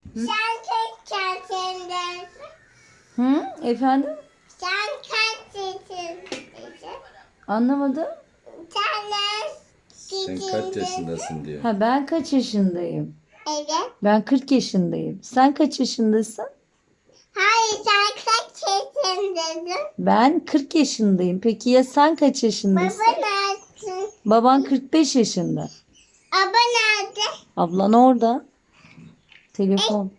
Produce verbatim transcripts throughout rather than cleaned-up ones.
Sen kaç yaşındasın? Hı? Efendim? Sen kaç yaşındasın? Anlamadım. Sen Sen kaç kaç yaşındasın diyor. Ha, ben kaç yaşındayım? Evet. Ben kırk yaşındayım. Sen kaç yaşındasın? Hayır, sen kaç yaşındasın? Ben kırk yaşındayım. Peki ya sen kaç yaşındasın? Baba nerede? Baban kırk beş yaşında. Baba nerede? Ablan orada. Telefon.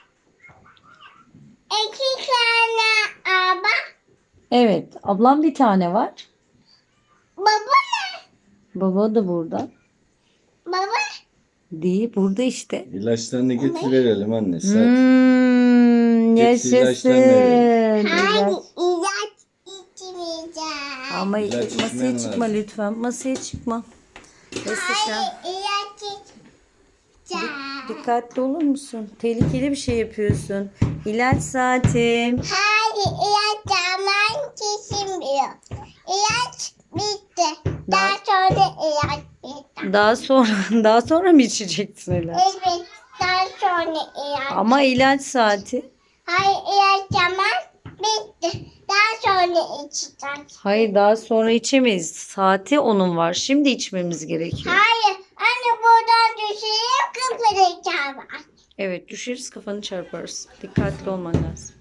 İki tane araba. Evet. Ablam bir tane var. Baba ne? Baba da burada. Baba. Değil. Burada işte. İlaçlarını getir verelim anne. Saat. Hmm, Getir yaşasın. ilaçlarını Hayır, İlaç. ilaç içmeyeceğim. Ama İlaç masaya içmen çıkma lazım. lütfen. Masaya çıkma. Neyse sen Hayır, ilaç içeceğim. dikkatli olur musun? Tehlikeli bir şey yapıyorsun. İlaç saatim. Hayır, ilaç zaman kesilmiyor. İlaç bitti. Daha sonra ilaç bitti. Daha sonra daha sonra mı içeceksin ilaç? Evet, daha sonra ilaç. Ama ilaç saati. Hayır, ilaç zaman bitti. Daha sonra içeceğim. Hayır, daha sonra içemeyiz. Saati onun var. Şimdi içmemiz gerekiyor. Hayır, anne buradan düşeyim, kıpıracağım. Evet, düşeriz, kafanı çarparız. Dikkatli olman lazım.